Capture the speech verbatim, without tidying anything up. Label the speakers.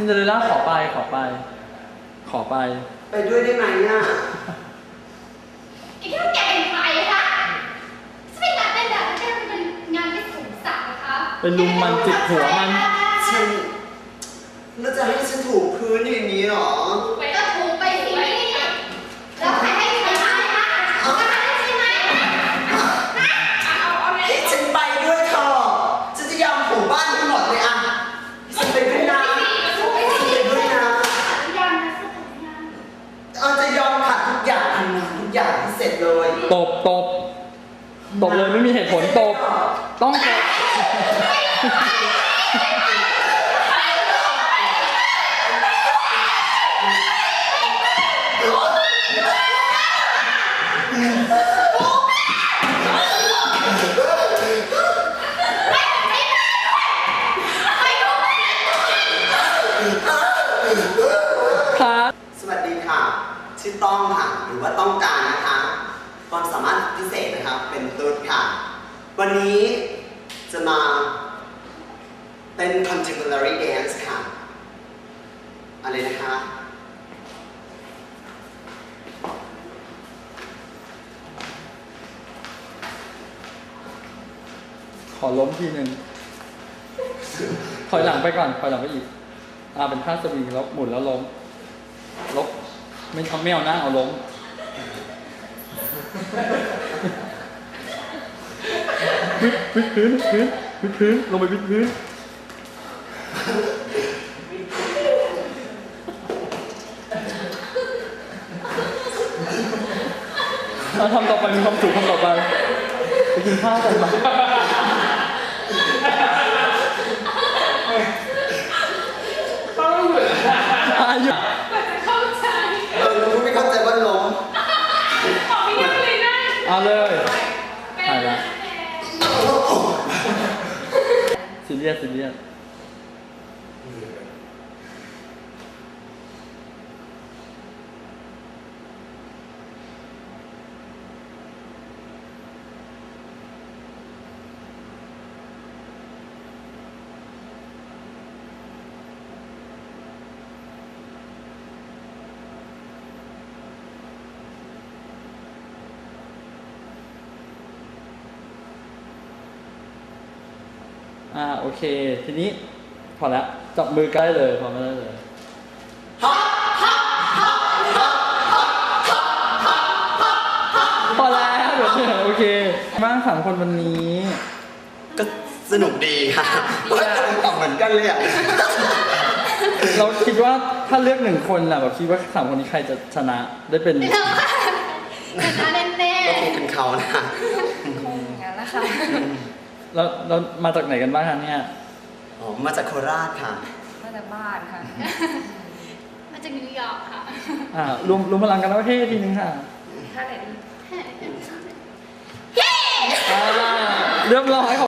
Speaker 1: นเดอเรลล่าขอไปขอไปขอไป
Speaker 2: ไปด้วยได้ไหมอ่ะ
Speaker 3: ไอ้ที่แกเป็นใครคะจะเป็นงานเต้นแบบไม่ใช่เป็นงานที่สูงสักนะคะ
Speaker 1: เป็นลุมมันจิกหัวมัน
Speaker 2: ฉันแล้วจะให้ฉันถูพื้นอย่างนี้หรอ
Speaker 3: ไปก็ถูไปสิแล้วใครให้ใครมาคะเอามาให้ใช่ไหมเอาเอาเลย
Speaker 2: ฉันไปด้วยเธอฉันจะยอมถูบ้านทั้งหมดเลยอ่ะฉันไปด้วยนะฉันไปด้วยนะเอาจะยอมขัดทุกอย่างทำงานทุกอย่างที่เสร็จเลย
Speaker 1: ตบตบตบเลยไม่มีเหตุผลตบต้องตบ
Speaker 2: สวัสดีค่ะชื่อต้องค่ะหรือว่าต้องการนะคะความสามารถพิเศษนะครับเป็นตุ๊ดค่ะวันนี้จะมาเป็น contemporary dance ค่ะอะไรนะคะ
Speaker 1: ขอล้มทีหนึ่งถอยหลังไปก่อนถอยหลังไปอีกอ่าเป็นท่าสวิงแล้วหมุนแล้วล้มลบไม่ทำไม่เอาหน้าเอาล้มวิดวิดพื้นพื้นวิดพื้นลงไปวิดพื้นทำต่อไปมีความสุขทำต่อไปไปกินข้าวกันมาอายุ
Speaker 2: เออรู้ไม่เข้าใจว่าล้ม
Speaker 1: เอาเลยถ่ายละซีเรียสซีเรียสอ่าโอเคทีนี้พอแล้วจับมือใกล้เลยพอไม่ได้เลยพอแล้วเดี๋ยวเหนื่อยโอเคบ้างสามคนวันนี้
Speaker 2: ก็สนุกดีค่ะตอบเหมือนกันเลยอ่ะ
Speaker 1: เราคิดว่าถ้าเลือกหนึ่งคนแหละแบบคิดว่าสามคนนี้ใครจะชนะได้เป็น
Speaker 3: ชนะแน่
Speaker 2: ๆก็คงเป็นเขานะ
Speaker 3: คงงั้นแหละค่ะ
Speaker 1: แล้วเรามาจากไหนกันบ้างคะเนี่ย
Speaker 2: อ๋อมาจากโคราชค่ะ
Speaker 3: มาจากบ้านค่ะมาจากนิวยอร์กค่ะ
Speaker 1: อ่ารวมรวมพลังกันแล้วเฮ้ทีนึงค่ะ
Speaker 3: ท่าไหนดี
Speaker 1: เรียบร้อยขอบ